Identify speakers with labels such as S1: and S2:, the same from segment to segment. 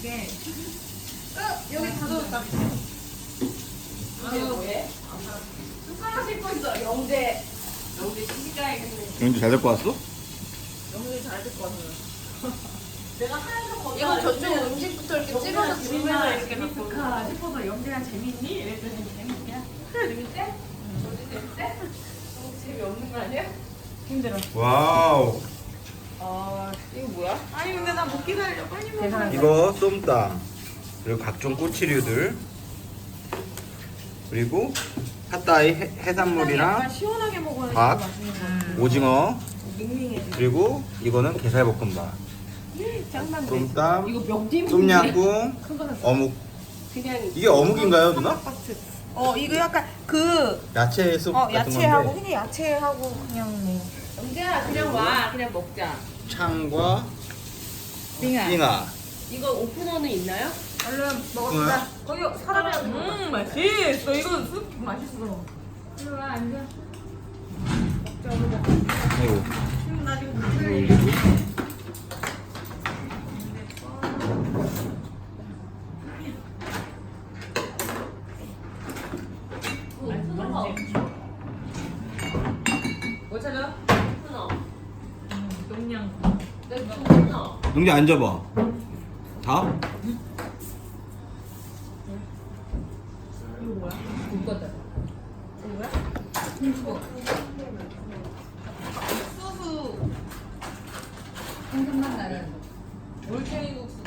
S1: 이게 여기 다 넣었다.
S2: 이게 뭐해? 숟가락 씻고 있어. 영재 시집가야겠네.
S3: 영주 잘 데리고 왔어?
S2: 영재 잘 듣고 왔어. 내가 하얀 거 이거 저쪽 음식부터 이렇게 찍어서 주면 이렇게
S1: 리스카 싶어서 영재야 재밌니? 이랬더니 재밌냐? 재밌대?
S2: 어디 재밌대? 재미없는 거 아니야?
S1: 힘들어.
S3: 와우.
S2: 이거 뭐야?
S1: 아니 근데 나 못 기다려. 빨리 먹어.
S3: 이거 쏨땀 그리고 각종 꼬치류들 그리고 핫다이
S1: 약간
S3: 해산물이랑
S1: 시원하게 먹어야
S3: 밥,
S1: 맛있는 거.
S3: 오징어
S1: 밍밍해.
S3: 그리고 이거는 게살볶음밥
S1: 짱만
S3: 쏨땀
S1: 이거 명절
S3: 똠양꿍
S1: 그거는
S3: 어묵
S2: 그냥
S3: 이게 어묵인가요 누나?
S1: 이거 약간 그
S3: 야채 숲 같은
S1: 야채하고
S3: 건데
S1: 그냥 야채하고 그냥 뭐
S2: 영재야 그냥 와. 그냥 먹자.
S3: 창과
S1: 빙하.
S3: 띵아
S2: 이거 오프너는 있나요?
S1: 얼른 먹읍시다. 거기 사람이 맛있어. 이거 쑥 맛있어. 이리 와 앉아. 먹자 우리 먹자.
S3: 아이고
S1: 지금 나 지금 못 살려. 뭐 찾아?
S2: 오프너.
S1: 용량.
S2: 내 오프너.
S3: 영주 앉아봐 다?
S1: 이거 뭐야? 이거다. 이거 뭐야? 김치국. 수수. 생선만 나는 올챙이 국수.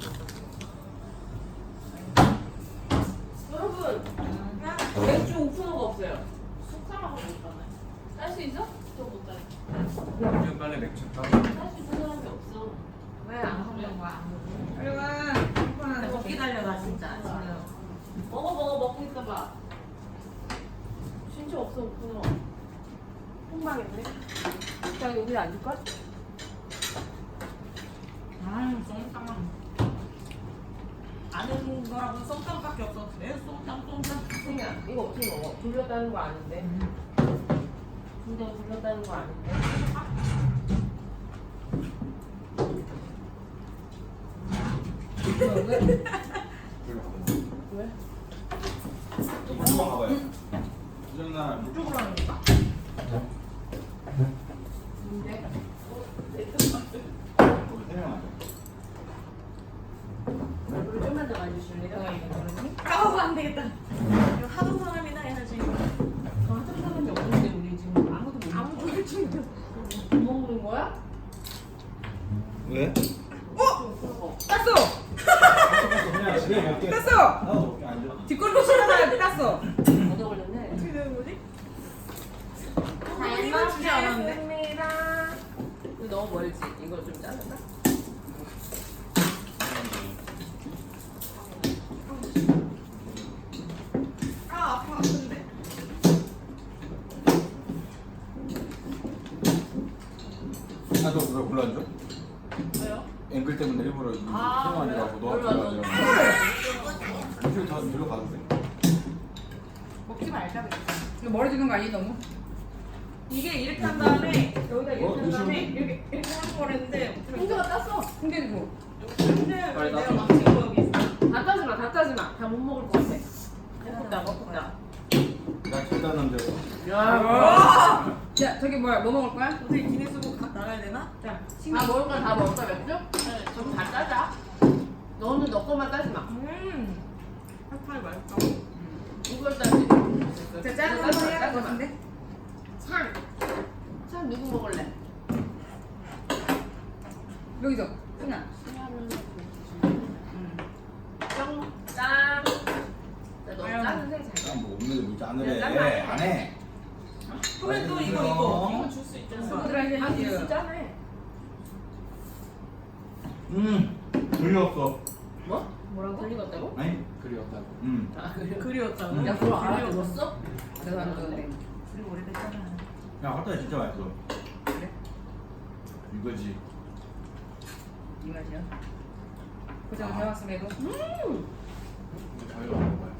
S2: 여러분 맥주 오프너가 없어요. 숟가락으로 못 따네. 딸 수 있어? 저 못 따네.
S4: 지금 빨리 맥주 따.
S2: 딸수 있는 사람이 없어.
S1: 왜 안 먹는 거야? 아무도. 빨리 와. 오빠는 못 기다려 나 진짜 지금.
S2: 먹고 있어봐. 진짜 없어 오프너. 폭망했네. 자 여기 앉을까?
S1: 썸땀. 아는 거라고 썸땀밖에 없어. 그래 썸땀.
S2: 그냥 이거 어떻게 먹어? 불렸다는 거 아닌데. 근데 불렸다는 거 아닌데. 왜?
S4: 또 먹어 가봐요. 부정나
S1: 이쪽으로 하는 거야?
S2: 근데
S4: 거기 설명하자.
S2: 얼굴 좀만 더 만져줄래요?
S1: 아우 안 되겠다. 이거 하던 사람이나 해야지.
S2: 저 하던 사람이 없는데 우리 지금 아무도 못 먹어.
S1: 아무도 할 줄.
S2: 못 먹는 거야?
S3: 왜?
S1: 땄어.
S4: 그냥 집에 먹게.
S1: 땄어.
S4: 나도 먹게 앉아.
S1: 뒷골로 치다가 땄어.
S2: 얻어 걸렸네.
S1: 어떻게 되는 거지?
S2: 잘
S1: 이건 주지 않았는데.
S2: 먹겠습니다. 이거 너무 멀지? 이거 좀 자를까?
S1: 아 아파 근데.
S4: 나도 그걸 골라줘.
S2: 왜요?
S4: 앵글 때문에 일부러 이
S2: 아,
S4: 설명하느라고
S2: 그래요?
S4: 너한테
S2: 몰라,
S4: 가가지고. 이쪽 다 일로 가도 돼.
S1: 먹지 말자. 이거 머리 주는 거 아니 너무? 이게 이렇게 한 다음에 여기다 이렇게 한 다음에 이렇게 하는 거랬는데
S2: 홍조가 땄어.
S1: 근데 이거 근데
S4: 빨리
S1: 내가
S4: 땄어.
S1: 막 지금 여기 있어.
S2: 다 따지 마, 다 따지 마. 다 못 먹을 것 같아. 먹었다.
S4: 나 절단 남자.
S2: 야.
S1: 야 저기 뭐야 뭐 먹을 거야? 어떻게 기내수국 각 나가야 되나? 자
S2: 다
S1: 식사.
S2: 먹을 거 다 먹을 거야, 맥주? 네. 저거 다 따자. 너는 너 것만 따지 마.
S1: 핫팔 맛있다.
S2: 이걸 따지.
S1: 자 짜는 거 해야 할 것 같은데?
S2: 찬. 찬 누구 먹을래?
S1: 여기서 끝나.
S2: 짱. 짠. 너
S1: 아유.
S2: 짜는 새 잘.
S4: 뭐 없는데 뭐 짠을
S2: 짠
S4: 해.
S2: 안 해.
S4: 안 해.
S1: 그래 또 이거
S2: 이거 줄 수 있잖아.
S1: 친구들 할
S2: 아,
S1: 때
S2: 진짜 짠해.
S4: 그리 없어.
S2: 뭐? 뭐라고? 들리겠다고?
S4: 아니 그리 없다고.
S2: 아, 그래.
S1: 그리웠다고?
S2: 야, 그거 알아들었어?
S1: 내가 안 좋은데. 우리 오래됐잖아.
S4: 야 핫도그 진짜 맛있어.
S1: 그래?
S4: 이거지.
S1: 이 맛이야. 고생 해왔음에도.
S4: 저희가 먹어봐요.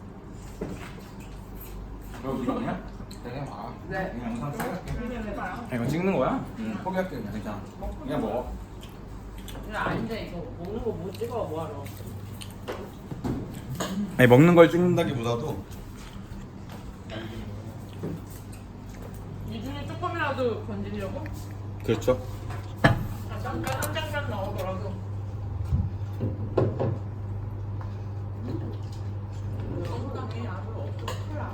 S4: 너 이거 아니야? 내가 봐.
S2: 네.
S4: 그냥 영상 찍을게.
S1: 해봐요.
S4: 이거 찍는 거야? 응. 포기할게 그냥 괜찮아. 그냥 먹어.
S2: 야 아닌데 이거 먹는 거 못 찍어 뭐하러?
S3: 아니 먹는 걸 찍는다기보다도
S1: 이 중에 조금이라도 건지려고?
S3: 그렇죠.
S1: 잠깐 한 장면 나오더라도. 건강에 아무 없어. 콜라.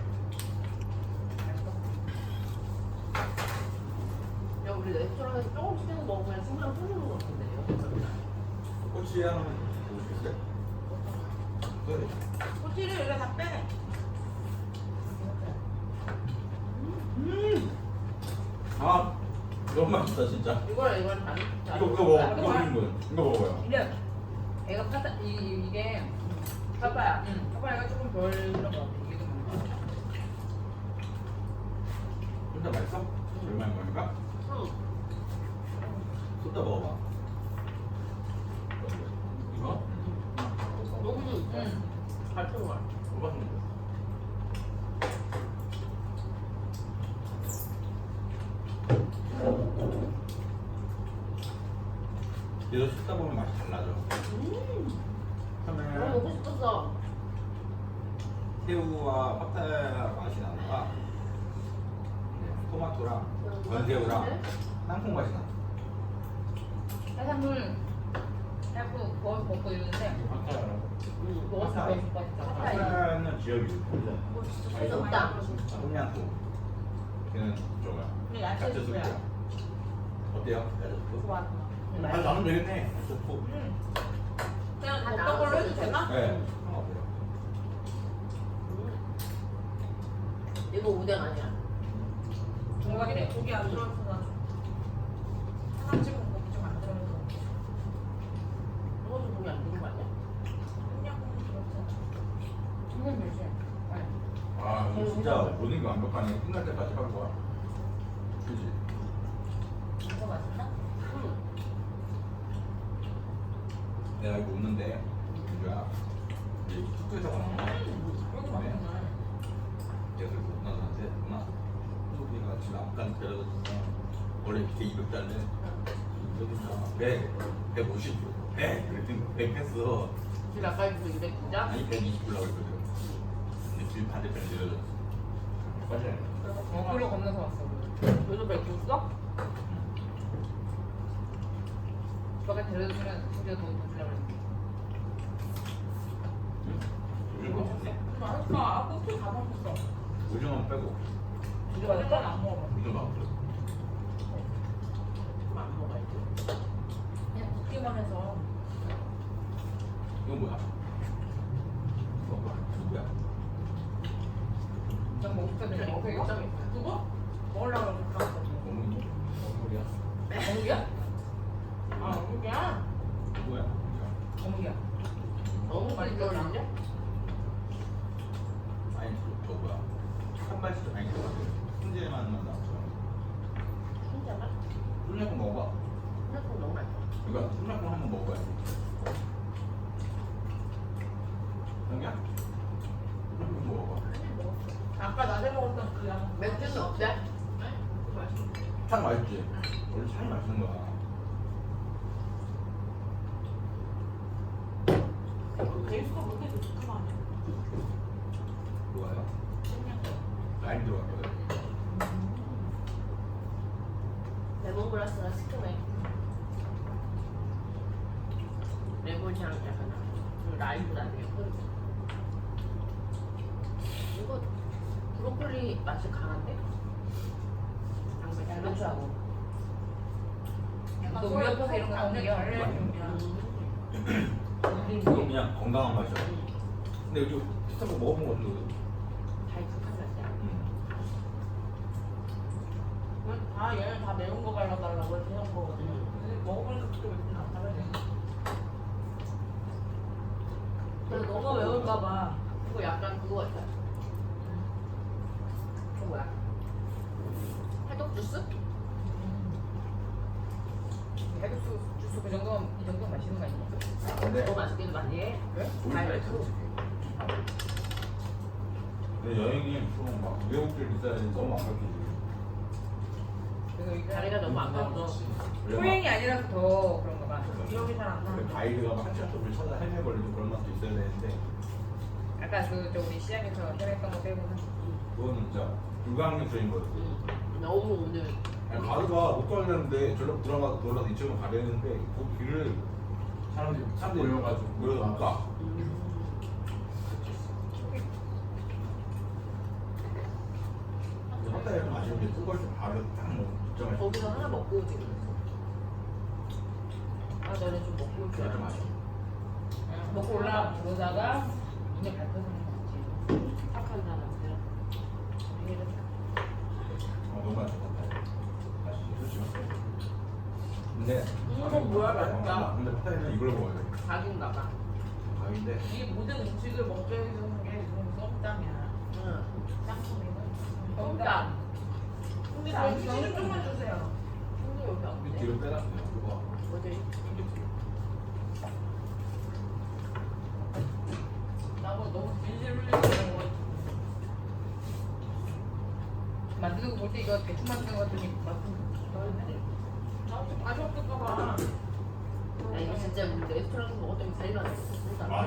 S2: 야 우리 레스토랑에서 조금씩 먹으면 승부랑 끊는 거 같은데.
S4: 꼬치 하나만 보시겠어요? 네.
S1: 꼬치를 여기다 다 빼.
S4: 아 너무 맛있다 진짜.
S2: 이거랑 다른.
S4: 이거 먹어. 이거 먹는 거예요. 이거 먹어요.
S1: 이래. 애가 파다 이게
S2: 파파야.
S1: 파파야가 조금 덜 그런 거 같아. 이게 좀 많아.
S4: 진짜 맛있어? 얼마인 거니까?
S2: 응.
S4: 쏟아 먹어봐. 이거?
S2: 너무 잘 들어가.
S4: 먹었는데. 얘도 씹다 보면 맛이 달라져.
S2: 너무
S4: 처음에는
S2: 먹고 싶었어.
S4: 새우와 파타야 맛이 나다가 토마토랑 건새우랑 땅콩 맛이 나.
S1: 해산물 해고 구워서 먹고 이러는데 먹었을 때 맛있다.
S4: 파타야는 지역이
S2: 좋다.
S4: 똠양꿍. 걔는 저거야.
S1: 근데 야채 수프야.
S4: 어때요? 야채 수프?
S1: 좋아.
S4: 아 나는 되겠네. 야채 수프.
S1: 그냥
S2: 다
S1: 먹던 걸로 해도 되나?
S4: 네. 상관없어요.
S2: 이거 우댕 아니야.
S1: 중간에 고기 안 들어있어 나. 하나 찍은 고기 좀 안 들어있어.
S2: 이거 좀 보기 안 되는 거 아니야?
S1: 그냥 들었어. 이건 되지.
S4: 아 이거 진짜 모든 게 완벽하네. 끝날 때까지 한 거야. 그지?
S1: 이거 맛있나?
S2: 응.
S4: 내가 이거 웃는데 민주야 이제 숙소에서 왔나?
S1: 이거 맛있네.
S4: 계속 누나한테 누나 소비가 지금 앞까지 데려다줬어. 원래 밑에 200달래. 여기서 150 100 그랬더니 100 했어.
S2: 길 아까 그 200 진짜?
S4: 아니 120 올라고 했거든. 근데 길 반대편 데려줬어. 맞아요.
S1: 그로 건너서 왔어.
S2: 여기도 100 줬어?
S1: 너가 데려주면 우리가 더 주려고 그랬는데.
S4: 오징어 먹었네.
S1: 맛있다. 고기 다 먹었어.
S4: 오징어 빼고
S1: 이거 맛있다? 안 먹어봐.
S4: 오징어 먹었어.
S2: 그럼 안 먹어야지.
S1: 그냥 굽기만 해서.
S4: 이건 뭐야? 이거 뭐야? 누구야?
S1: 난 먹을 때 먹어. 이거? 그거? 먹으려고 그랬어.
S4: 어머니? 어머니야?
S1: 어묵이야? 아, 어묵이야?
S4: 누구야?
S1: 어묵이야.
S2: 너무 많이 떨어지냐?
S4: 아니 저 뭐야? 한 발씩 아니 훈제만 나왔어.
S2: 진짜가?
S4: 쫄래국 먹어봐.
S2: 생각보다 너무 맛있어.
S4: 이거 쫄래국 한번 먹어봐야지. 형이야? 쫄래국 먹어봐.
S1: 아까 낮에 먹었던 그 양.
S2: 맥주는 어때?
S4: 참 맛있지? 원래 참 맛있는 거야.
S1: 베이스가 그렇게 좋은 거 아니야?
S4: 좋아요? 라임 들어갔거든.
S2: 레몬그라스가 시큼해. 레몬향 약간 나. 그리고 라임도 나중에 뿌리고. 이거 브로콜리 맛이 강한데? 양배추하고.
S1: 너 우리 옆에서 이런 거 나오냐?
S4: 이건 그냥 건강한 맛이야. 근데 요즘 비슷한 거 먹어본 거 같은데.
S2: 달콤한 맛이야.
S1: 다 얘는 다 매운 거 발라달라고 해서 해놓은 거거든요. 근데 먹어보니까 그렇게 맵진 않다고 해.
S2: 그래서 너무 매울까봐. 이거 약간 그거 같아. 그거 뭐야? 해독 주스?
S1: 해독수 주스 그 정도면 이 정도면 맛있는 거 아니야?
S4: 근데
S2: 더 맛있기도 많이 해.
S1: 그래?
S2: 달고.
S4: 근데 여행이 좀 막 외국들 비싸야 너무 안 가르치지.
S1: 그래서 이게
S2: 다리가 너무 안 가서.
S1: 소행이 아니라서 더 그런가 봐. 기억이 잘 안 나.
S4: 가이드가 막 한참 좀 찾아 헤매버리고 그런 맛도 있어야 되는데
S1: 아까 그 우리 시장에서 해냈던 거 빼고는
S4: 그거는 진짜 불가항력 주인 거였어.
S2: 너무 오늘
S4: 아니, 가드가 못 가려는데 저렇게 들어가서 돌아서 이쪽으로 가려는데 그 길을 사람들이 모여서 못 가. 한달에 좀 아쉬운 게 뜨거울 때 바로 딱 걱정을
S2: 거기서 하나 먹고 오지 그랬어. 아 너네 좀 먹고 올줄
S4: 좀
S2: 알아.
S4: 아쉬워.
S1: 먹고 올라오다가 이제 발표하는 거지.
S2: 착한 사람들.
S4: 너무 맛있었다. 맛있지, 솔직히. 근데
S2: 이건 뭐야, 맛있다.
S4: 근데 파타이는 이걸 먹어야 돼.
S2: 각인가 봐.
S4: 밥인데
S1: 이 모든 음식을 먹게 해주는 게 지금 썸땀이야.
S2: 응.
S1: 짬뽕이는
S2: 썸땀.
S1: 근데 저희 치즈 좀만 주세요.
S2: 근데 여기 없네.
S4: 뒤로 빼놨어요. 그거.
S2: 어디?
S1: 나뭐 너무 질질 흘리는 거 만드는 거 볼 때 이거 대충 만드는 거 같더니 맛은 나좀 맛이 없을까 봐.
S2: 아 이거 진짜 우리 레스토랑에서 먹었더니 제일 맛있었어.
S4: 맞아.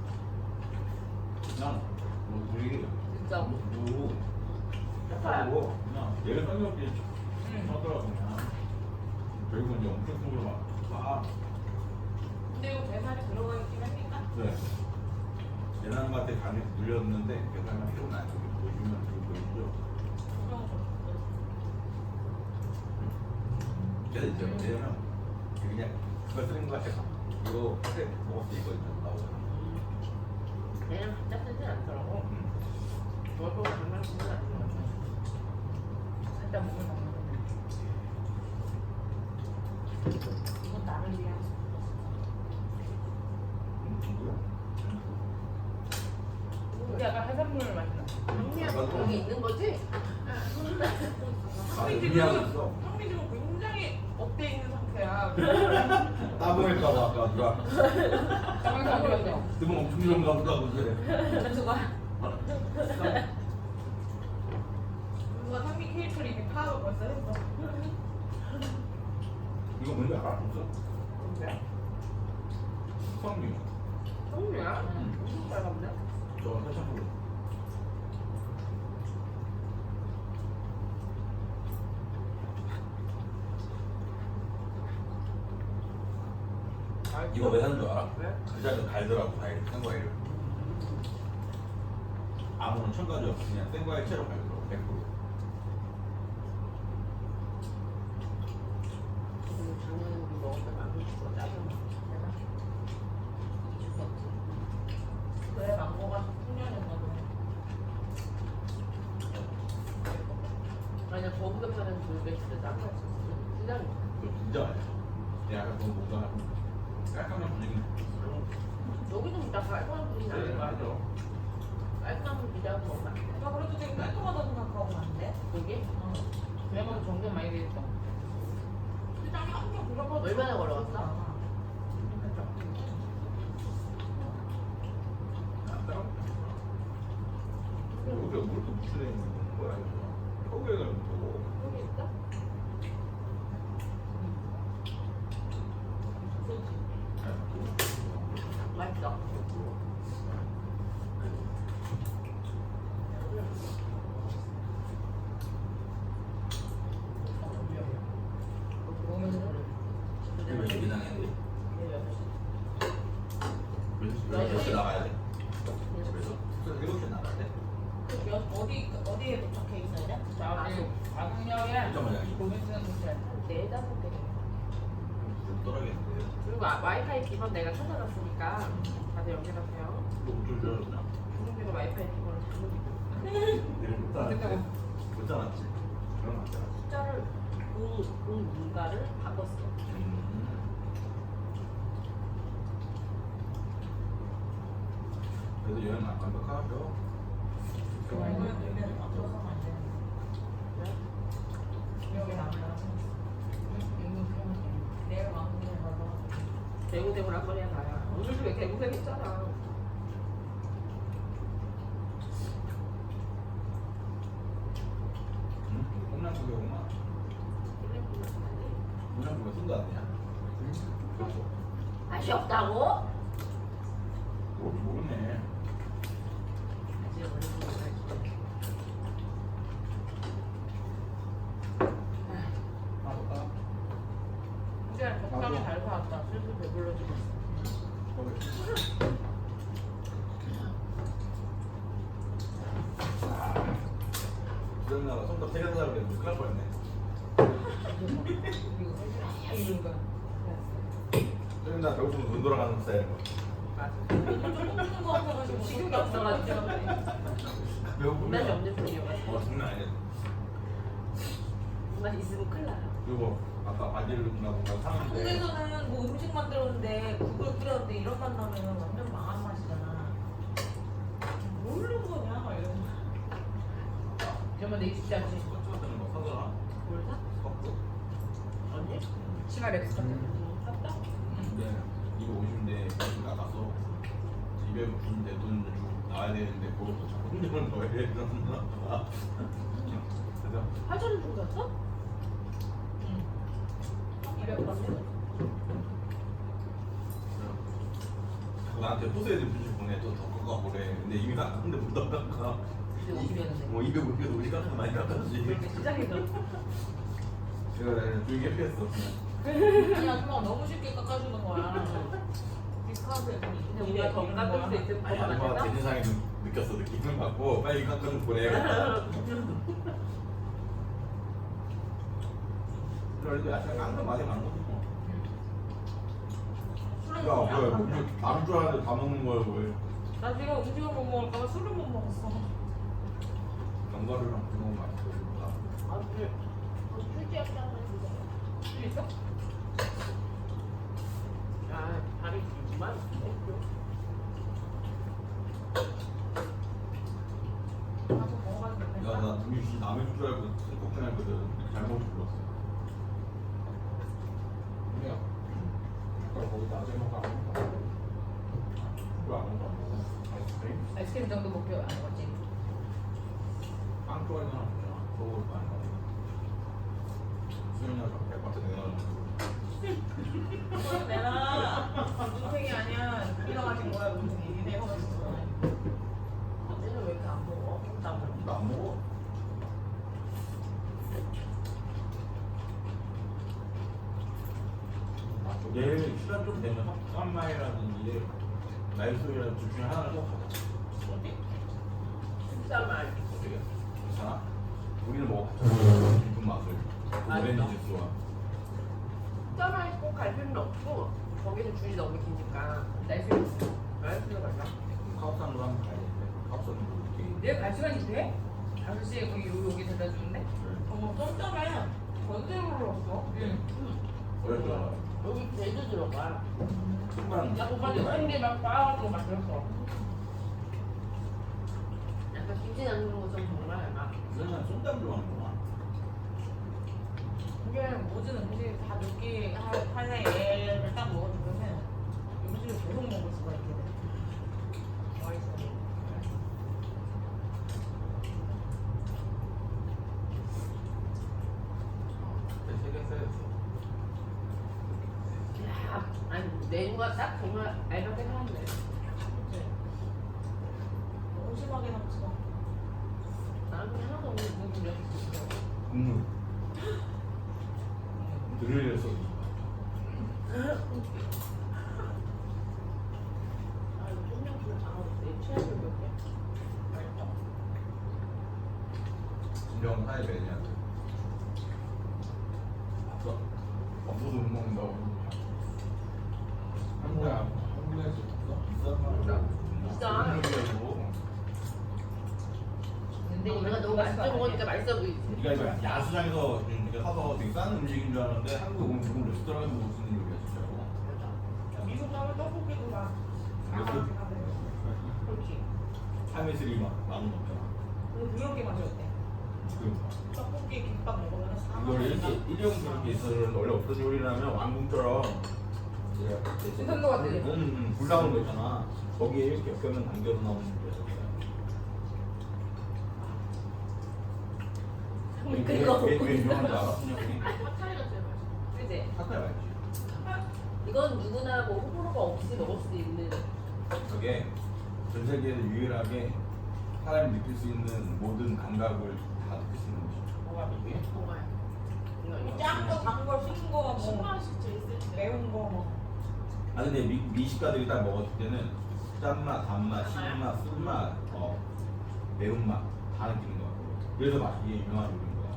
S4: 그냥 뭐 우리
S2: 진짜.
S4: 뭐 하고 그냥 얘를 성격이 하더라고 그냥. 결국은 이제 엄청 속으로 막.
S1: 근데 이거 배살이 들어가 있긴 합니까?
S4: 네. 예난한테 간이 눌렸는데 계산이 필요는 안 되고 보여주면 그거 보이죠. 그래서 이제 왜냐면 그냥 그걸 쓰는 거 같아. 이거 그때 먹었을 때 이거 있잖아 나오잖아.
S2: 얘는 진짜 쓰지 않더라고. 저도 정말 쓰지 않더라고.
S1: 살짝 먹을 먹는 건데. 이건 나를 위한.
S4: 누구야?
S1: 우리 아까 해산물 맛있나?
S2: 형님 여기 있는 거지?
S4: 아, 의미하고 있어.
S1: 형이 지금 굉장히 업돼 있는 상태야.
S4: 따봉할까봐 아까 누가
S1: 가방에서 어디 갔어?
S4: 뜨면 엄청 좋은가 보다 그래.
S1: 누가? 누가 상미 케이크를 이미 파악을 벌써 했어.
S4: 이거 뭔지 알아? 없어?
S1: 뭔데?
S4: 수학류.
S2: 형님이야? 엄청 빨갛네.
S4: 저 살짝 보고. 이거 왜 하는 줄 알아?
S2: 왜?
S4: 그 자리에 갈더라고 과일, 생과일을. 아무런 첨가제 없이 그냥 생과일 채로 갈더라고 100%.
S2: 오늘 작년에 우리 먹었던 망고 짜증 나. 죽었지.
S1: 그래 망고가 풍년인가 보네.
S2: 아니야 거기서 파는 돌배 진짜 짜증 났었어. 시장이.
S4: 그거 진짜 맛있어. 약간 그거 뭔가 깔끔한 분위기.
S2: 여기도 진짜 깔끔한 분이
S4: 네,
S2: 나는
S4: 맞아.
S2: 거야. 깔끔한 분이라고 먹으면 안 돼.
S1: 나 그래도 되게 깔끔하다고 생각하고 왔는데.
S2: 여기?
S1: 왜냐면 정돈 많이 돼 있어. 시장이 엄청 불러서
S2: 얼마나 걸어갔어?
S4: 여기가 뭘 이렇게 무시해 있는 거야 이거. 서구에 가면 보고.
S2: 여기 있어? 맛있어.
S4: 이게 왜 여기 나가는데?
S2: 네,
S4: 몇 시에 나가야 돼? 집에서? 7시에 나가야 돼?
S1: 어디에 도착해 있어야 돼?
S2: 아주.
S1: 아궁역에
S4: 잠깐만요.
S1: 고민스는 도시야.
S2: 한 4-5개.
S4: 좀 떨어겠는데.
S2: 그리고 와이파이 기반 내가 찾아놨으니까 다들 연결하세요.
S4: 너좀 줄여줬나?
S2: 중국에서 와이파이 기반을
S4: 내가 못
S1: 됐다고.
S4: 못 잡았지? 그런 거 같잖아.
S2: 숫자를 문가를 바꿨어.
S4: 그래도 여행 안 완벽하죠?
S1: 이거는 의미는 앞서서는 안 되는
S2: 네?
S1: 기억에 남아요. 내가 왕궁에 가서
S2: 대구대구를 한 번에 가야. 오늘도 왜 대구대구 했잖아.
S4: 응? 홈런국에 오나? 홈런국에 쓴거 아니야?
S2: 맛이 없다고?
S4: 뭔지 모르네.
S1: 이제 적당히 잘 사왔다. 슬슬 배불러지고 있어.
S4: 수영나가 손톱 세개 사자고 그랬는데 큰일 날 뻔했네.
S1: 이런 거.
S4: 수영나 배고프면 눈 돌아가는 스타일인 거.
S1: 먹는 거 없어가지고 식욕이 없어가지고.
S4: 배고프면
S2: 맛이 없는 편이어가지고.
S4: 장난 아니야.
S2: 맛이 있으면 큰일 나요.
S4: 그리고 아까 바지를 누나 뭔가 사는데
S1: 한국에서는 뭐 음식 만들었는데 국을 끓였는데 이런 맛 나면 완전 망한 맛이잖아. 모르는 거냐? 막 이러면서. 이러면 내 입지 않지.
S4: 스커트 같은 거 사더라.
S2: 뭘 사?
S4: 스커트.
S2: 언니?
S1: 치마 렉스 같은
S2: 샀다?
S4: 근데 250인데 돈 깎았어. 250인데 돈 주고 나와야 되는데 그것도 자꾸 흔드는 거예요. 그래서
S2: 8,000원 주고 샀어?
S1: 200원.
S4: 나한테 포스에드 뮤직 보내 또더 깎아보래. 근데 이미 깎았는데 못 깎아.
S1: 250이었는데.
S4: 뭐 250에도 우리 깎아 많이 깎았지.
S1: 그렇게 시작해서.
S4: 제가 나는 조용히 회피했어.
S1: 아니 아줌마가 너무 쉽게 깎아주는 거야. 디스카운트에
S2: 근데 우리가 더 깎을 수 있을
S4: 아니
S2: 법만
S4: 아줌마가
S2: 해서?
S4: 대진상에 느꼈어. 느낌을 받고 빨리 깎아 좀 보내야겠다. 그래도 약간 깎는 맛이 나는 거지 뭐. 야 뭐야 뭐 남은 줄 알았는데 다 먹는 거야 왜.
S1: 나 지금 음식을 못 먹을까봐 술을 못 먹었어.
S4: 견과류랑 그런 거 맛있어.
S2: 아, 근데 술집에 하나 주세요.
S1: 술 있어?
S2: 아, 다리 길구만.
S1: 가서 먹어봐도 되겠다.
S4: 야나 우리 남의 줄 알고 걱정했거든. 잘못 불렀어.
S5: 야, 아까 거기 낮에 먹어 안 먹어? 그거 안 먹어 안 먹어? 아이스크림?
S1: 아이스크림 정도 먹고 안 먹었지.
S4: 빵 좋아하는 사람 없잖아. 그거 많이 먹어. 수영이가 백바트 내놔가지고.
S1: 그걸 내놔. 눈탱이 아니야. 우리가 마신 거야. 눈탱이. 내가 마신 거야.
S2: 언니는 왜 이렇게 안 먹어? 나 먹어.
S4: 나안 먹어. 내일 시간 좀 되면 깜마이라든지 날소이라든지 둘 중에 하나를 꼭 가자.
S2: 어디? 진짜 말.
S4: 어떻게? 괜찮아? 우리는 먹어봤잖아. 깊은 맛을. 오렌지 주스와.
S2: 진짜 말 꼭 갈 필요는 없고 거기는 줄이 너무 기니까
S1: 날씨.
S2: 말수로 갈까?
S4: 카우산으로 한번 가야 되는데 카우산은 뭐 이렇게
S1: 내일 갈 시간이 돼? 5시에 거기 여기 데려다 주는데? 어머 깜짝이야. 언제 불렀어? 응.
S4: 어렵잖아.
S2: 여기 제주 들어가.
S4: 순간
S1: 나 오빠한테 샌디 막 빠가지고 막 그랬어.
S2: 약간 김치 담그는 것처럼 정말 막.
S4: 수영이는 쏨땀 좋아하는구나.
S1: 이게 모든 음식이 다 느끼 하나의 애를 딱 먹어주면은 음식을 계속 먹을 수가 있게 돼. 맛있어.
S4: 세개 써야지.
S2: 야, 아니 메뉴가 딱 정말 알맞게 사왔네.
S1: 그치? 너무 심하게 남지 마.
S2: 나는 그냥 하나도 없는 무슨 이렇게 있어.
S4: 국물. 드릴을 써.
S2: 아 이거 쫀명술 다 먹었어. 취향을 몇 개?
S1: 맛있어.
S4: 진정 하나의 매니아들. 없어? 없어도 못 먹는다고.
S5: 한국에 한국에서 있어?
S4: 비싸.
S2: 비싸. 근데 우리가 너무 맛있게 먹으니까 맛있어 보이지.
S4: 우리가 이거 야수장에서 이렇게 사서 되게 싼 음식인 줄 알았는데 한국에 오면 지금 레스토랑에서 먹을 수 있는 요리야 진짜로.
S1: 미국 가면 떡볶이도 막
S4: 그래서?
S2: 그렇지.
S4: 참이슬이 막 만원 넘잖아.
S1: 근데 그렇게 맛이 어때?
S4: 그러니까.
S1: 떡볶이 김밥 먹으면 4만
S4: 이걸
S1: 원.
S4: 이렇게 일회용 그렇게 있어서 원래 없던 요리라면 왕궁처럼
S1: 신선도 같지?
S4: 불 나오는 거 있잖아. 거기에 이렇게 곁면 담겨서 나오는 요리야.
S2: 끓이고
S4: 왜 유명한 줄 알아? 그냥
S2: 핫타리가 제일 맛있어.
S1: 그지?
S4: 사타야 알지.
S2: 이건 누구나 뭐 호불호가 없이 먹을 수 있는.
S4: 저게 전 세계에서 유일하게 사람이 느낄 수 있는 모든 감각을 다 느낄 수 있는 것이죠.
S1: 뭐가 이게?
S2: 뭐가요? 이거.
S1: 짠거, 단거, 신거, 뭐
S2: 신맛이 제일 쓸 때.
S1: 매운 거 뭐.
S4: 아 근데 미식가들이 딱 먹었을 때는 짠맛, 단맛, 신맛, 쓴맛, 매운맛 다 느끼는 것 같아요. 그래서 맛이 이게 유명한 요리인 거야.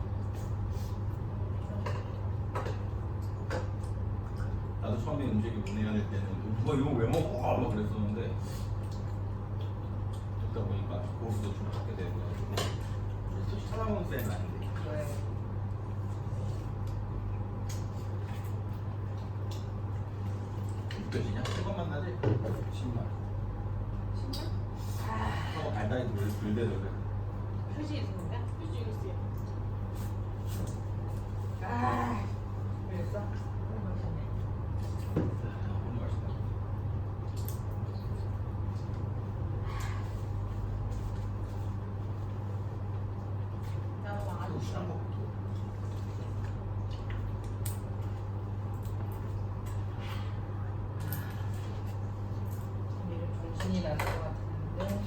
S4: 나도 처음에 음식이 문의해야 될 때는 누가 이거 왜 먹어? 막 그랬었는데 듣다 보니까 고수도 좀 찾게 되고 솔직히 찾아먹는 쌤은 아닌데
S1: 왜?
S4: 느껴지냐? 이것만 나지? 신맛
S2: 신맛?
S4: 하고 달달이 들대더래.
S1: 휴지 있는데?
S2: 휴지 있어요.
S1: 아, 그랬어? 너무 맛있네.
S4: 너무 맛있다.
S1: 나도 아주
S4: 신한 거.
S1: 이런 정신이 날 것 같은데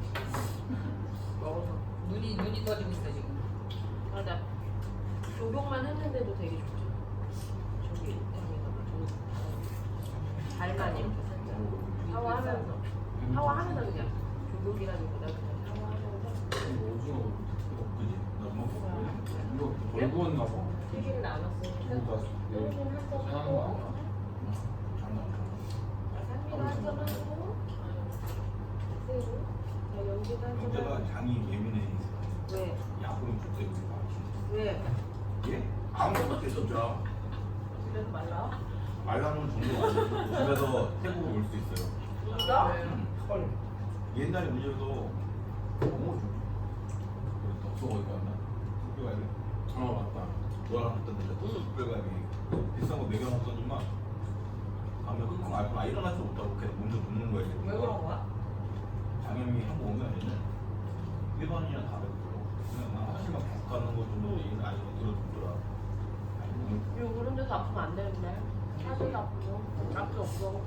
S1: 먹어서 눈이 떠지고 있어 지금.
S2: 맞아. 조경만 했는데도 되게 좋죠. 저기 여기다가 잘만 이렇게 살짝 샤워하면서 샤워하면서 그냥 조경이라기보다 그냥 샤워하면서
S5: 오징어
S4: 그지? 나 먹어.
S5: 이거 덜 구웠나 봐.
S2: 튀기는 않았어요.
S5: 이거 다
S2: 튀기는 한점
S5: 장난 거
S2: 하고
S5: 아니야?
S4: 장난.
S2: 산미도 한점 하고 새우 자 연기도 한점
S4: 영재가
S2: 하고
S4: 장이 예민해.
S2: 왜?
S4: 약은 그때 우리 맛이.
S2: 왜?
S4: 예? 아무것도 못해 진짜.
S2: 집에서 말라?
S4: 말라놓은 정도가 아니고 집에서 태국을 올 수 있어요.
S2: 진짜?
S5: 헐.
S4: 옛날에 우리 집에서 너무 좀. 덕소 어디 갔나? 숙별가게.
S5: 맞다.
S4: 너랑 갔던 데가 덕소 숙별가게. 비싼 거 먹여놨더니만 가면 끙끙 앓고 일어날 수 없다고 계속 먼저 눕는 거야. 지금.
S1: 왜 그런 거야?
S4: 장염이 한국 오면 얘는 일반인이랑 다르더라고. 그냥 나 화장실만 계속 가는 거 정도 얘기는 아니고 들어주더라.
S2: 이거 그런 데서 아프면 안 되는데 사실 아프고 앞이 없어.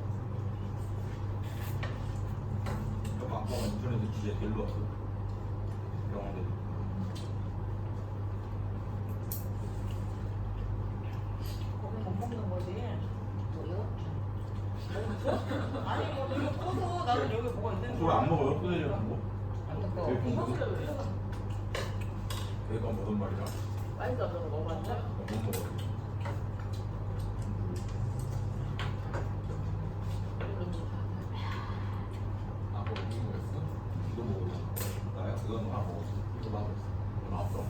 S4: 아빠가 인터넷에 주제 데리러 왔어. 병원에.
S1: 거기 못 먹는 거지.
S2: 뭐요?
S1: 아니 뭐 이거 꺼서 나는 여기 뭐가 있는
S4: 그걸 안 먹어요? 끊어지는 거?
S1: 안 먹어.
S4: 왜
S2: 이거
S4: 먹어?
S2: 그래 왜?
S4: 걔가 먹은 말이야.
S2: 맛있어 저거 먹어봤어?
S4: 못 먹어.
S5: 아까 이거 했어?
S4: 이거 먹어. 나야 그거 하나 먹었어.
S5: 이거 나도 했어.
S4: 이거 나왔어.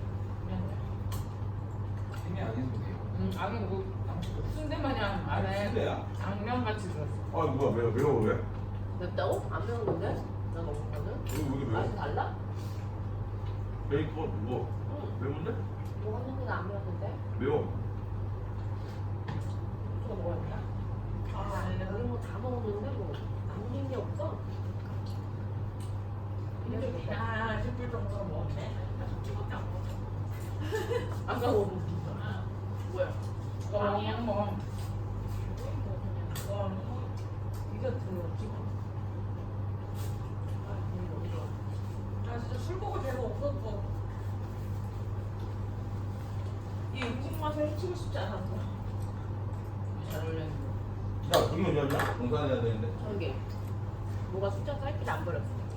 S5: 힘이 아니면 돼요.
S1: 아니 뭐 순대 마냥 안에
S4: 순대야?
S1: 당면 같이 들었어.
S4: 아 뭐야 매워 왜?
S2: 맵다고? 안 매운 건데? 나 먹은 거는?
S4: 여기 매워?
S2: 맛이 달라?
S4: 베이컨 이거
S2: 응.
S4: 매운데?
S2: 먹었는데 안 매웠는데?
S4: 매워.
S2: 이거 먹었냐?
S1: 아,
S2: 여기 뭐 다 먹었는데 뭐 남긴 게 없어?
S1: 아 싶을 정도로 먹었네.
S2: 아까 먹은 뭐야?
S1: 그냥 뭐 디저트 기본. 나 진짜 술 먹을 데가 없었어. 이 음식 맛을 해치고 싶지 않았어. 잘 어울렸는데.
S4: 야 분명 열냐? 공산해야 되는데.
S2: 저기 뭐가 숫자 짧게 안 버렸어.